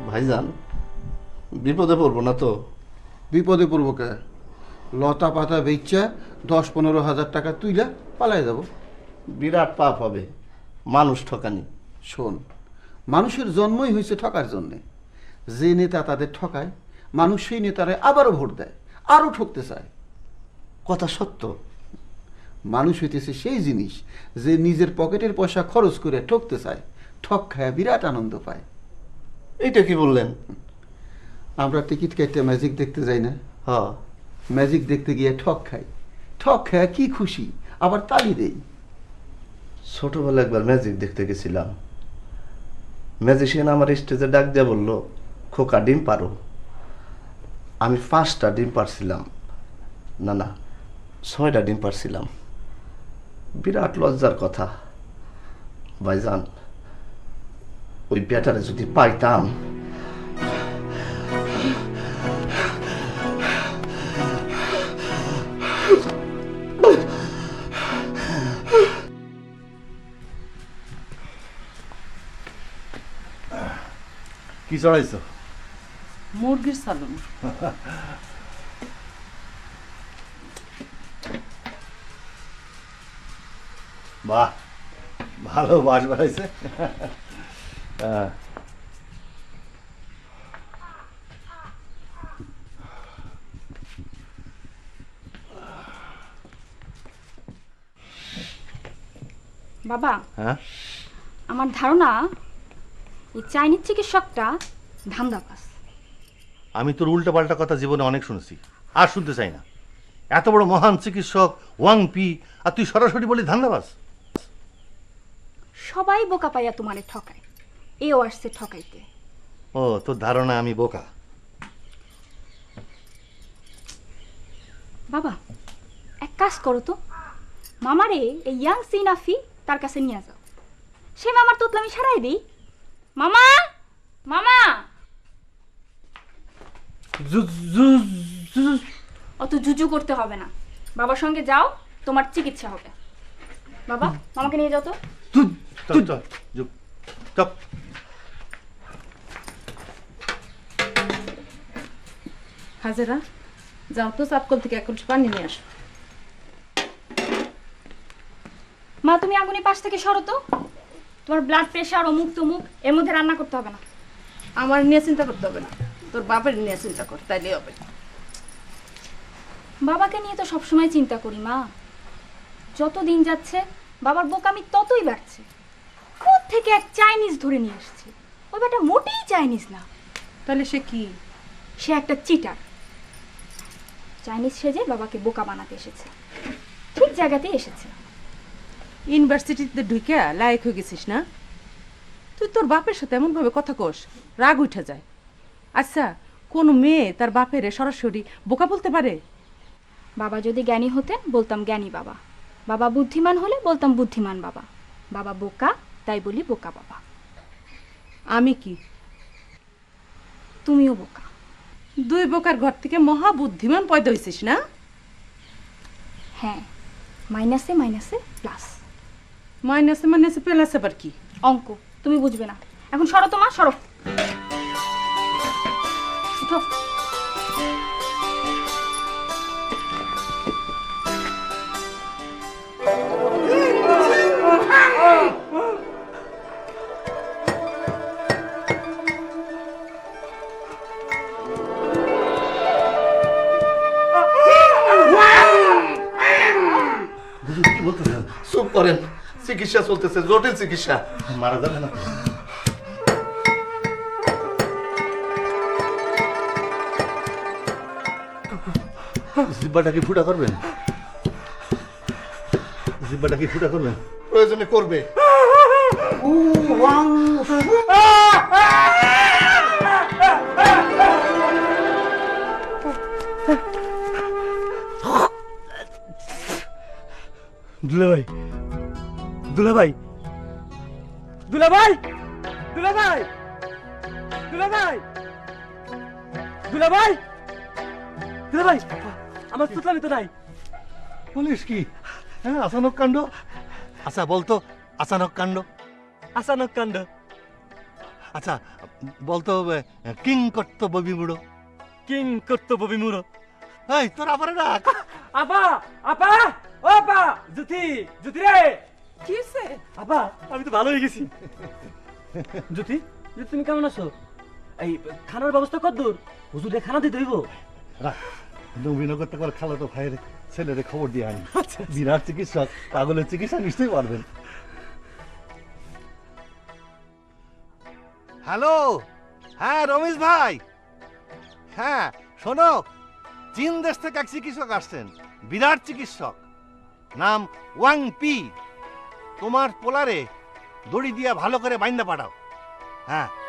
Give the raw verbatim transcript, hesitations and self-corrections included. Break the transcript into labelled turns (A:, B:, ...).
A: ভাইজান বিপদে পড়বো না তো?
B: বিপদে পড়বো কে? লতা পাতা বেচা দশ পনেরো হাজার টাকা তুইলা পালাই যাব।
A: বিরাট পাপ হবে, মানুষ ঠকানি।
B: শোন, মানুষের জন্মই হয়েছে ঠকার জন্যে। যে নেতা তাদের ঠকায়, মানুষ সেই নেতারে আবারও ভোট দেয়, আরও ঠকতে চায়।
A: কথা সত্য।
B: মানুষ হইতেছে সেই জিনিস যে নিজের পকেটের পয়সা খরচ করে ঠকতে চায়, ঠক খায় বিরাট আনন্দ পায়।
A: এইটা কি বললেন?
B: আমরা টিকিট কেটে ম্যাজিক দেখতে যাই না?
A: হ,
B: ম্যাজিক দেখতে গিয়ে ঠক খাই, ঠক খায় কি খুশি, আবার তালি দেই।
A: ছোটবেলা একবার ম্যাজিক দেখতে গেছিলাম। ম্যাজিশিয়ান আমার স্টেজে ডাক দিয়ে বলল, খোকা ডিম পারো। আমি পাঁচটা ডিম পারছিলাম, না না ছয়টা ডিম পারছিলাম। বিরাট লজ্জার কথা ভাইজান, ওই ব্যাটারে যদি পাইতাম।
C: কি চড়াইছো?
D: মুরগির সালন।
C: বাহ, ভালো বাস বাড়াইছে। হ্যাঁ,
D: বাবা,
C: হ্যাঁ,
D: আমার ধারণা এই চাইনিজ চিকিৎসকটা ধান্দাবাজ।
C: আমি তোর উল্টা পাল্টা কথা জীবনে অনেক শুনেছি, আর শুনতে চাই না। এত বড় মহান চিকিৎসক ওয়াং পি, আর তুই সরাসরি বলি ধান্দাবাজ।
D: সবাই বোকা পাইয়া তোমারে ঠকায়, এও আসছে ঠকাইতে।
C: ও, তোর ধারণা আমি বোকা?
D: বাবা, এক কাজ করো তো, মামারে এই ইয়াং সিনাফি তার কাছে নিয়ে যাও। সে মামার তোতলামি সারাই দিই। মামা, মামা, অত জুজু করতে হবে না, বাবার সঙ্গে যাও, তোমার চিকিৎসা হবে। বাবা, মামাকে নিয়ে যাও তো।
C: চল চল যুগ, চল।
E: হাজেরা, যাও তো চাপকল থেকে এক কলসি পানি নিয়ে আসো।
D: মা, তুমি আগুনের পাশ থেকে সরো তো। তোমার ব্লাড প্রেশার, অমুক তমুক, এর মধ্যে রান্না করতে হবে না।
E: আমার নিয়ে চিন্তা করতে হবে না, তোর বাপের নিয়ে চিন্তা কর, তাইলে হবে।
D: বাবাকে নিয়ে তো সবসময় চিন্তা করি মা। যত দিন যাচ্ছে বাবার বোকামি ততই বাড়ছে। কোত্থেকে এক চাইনিজ ধরে নিয়ে আসছে, ওই ব্যাটা মোটেই চাইনিজ না।
E: তাহলে সে কি?
D: সে একটা চিটার। চাইনিজ সেজে বাবাকে বোকা বানাতে এসেছে, ঠিক জায়গাতেই এসেছে।
E: ইউনিভার্সিটিতে ঢুকে লায়ক হয়ে গেছিস না তুই? তোর বাপের সাথে এমন ভাবে কথা কোস, রাগ উঠে যায়। আচ্ছা, কোন মেয়ে তার বাপের সরাসরি বোকা বলতে পারে?
D: বাবা যদি জ্ঞানী হতেন বলতাম জ্ঞানী বাবা, বাবা বুদ্ধিমান হলে বলতাম বুদ্ধিমান বাবা। বাবা বোকা, তাই বলি বোকা বাবা।
E: আমি কি?
D: তুমিও বোকা।
E: দুই বোকার ঘর থেকে মহা বুদ্ধিমান পয়দা হয়েছিস না?
D: হ্যাঁ, মাইনাসে মাইনাসে প্লাস।
E: মাইনাসে মাইনাসে প্লাস আবার কি?
D: অঙ্ক তুমি বুঝবে না। এখন সরো তো মা, সরো। উঠো।
A: কি বলতেছেন? চুপ করেন, চিকিৎসা চলতেছে, জটিল চিকিৎসা।
C: মারা যাবে না? জিব্বাটা কি ফুটা করবেন? জিব্বাটা কি ফুটা করবেন?
A: প্রয়োজনে করবে।
F: দুলাভাই, দুলাভাই, দুলাভাই, দুলাভাই, দুলাভাই, দুলাভাই, দুলাভাই, আমার তুতলামি তো নাই।
C: বলিস কি? হ্যাঁ, আচানক কাণ্ড। আচ্ছা বলতো, আচানক কাণ্ড।
F: আচানক কাণ্ড।
C: আচ্ছা বলতো কিং করতো ববি বুড়ো।
F: কিং কর্তব্য বিমূঢ়।
C: এই তোর আবার ডাক।
F: আপা আপা ও আপা জ্যোতি জ্যোতি রে
E: কি হয়েছে?
F: আপা আমি তো ভালো হয়ে গেছি। জ্যোতি জ্যোতি তুমি কেমন আছো? এই খানার ব্যবস্থা কত দূর? হুজুরে খানা দিতে হইব।
C: রাখ, নবীনগর থেকে খালা তো ভাইয়ের ছেলেরে খবর দিয়ে আনি। বিরাট চিকিৎসক, পাগলের চিকিৎসা নিশ্চয়ই পারবেন। হ্যালো, হ্যাঁ রমেশ ভাই, হ্যাঁ শোনো, চীন দেশ থেকে এক চিকিৎসক আসছেন, বিরাট চিকিৎসক, নাম ওয়াং পি। তোমার পোলারে দড়ি দিয়া ভালো করে বাইন্দা পাঠাও। হ্যাঁ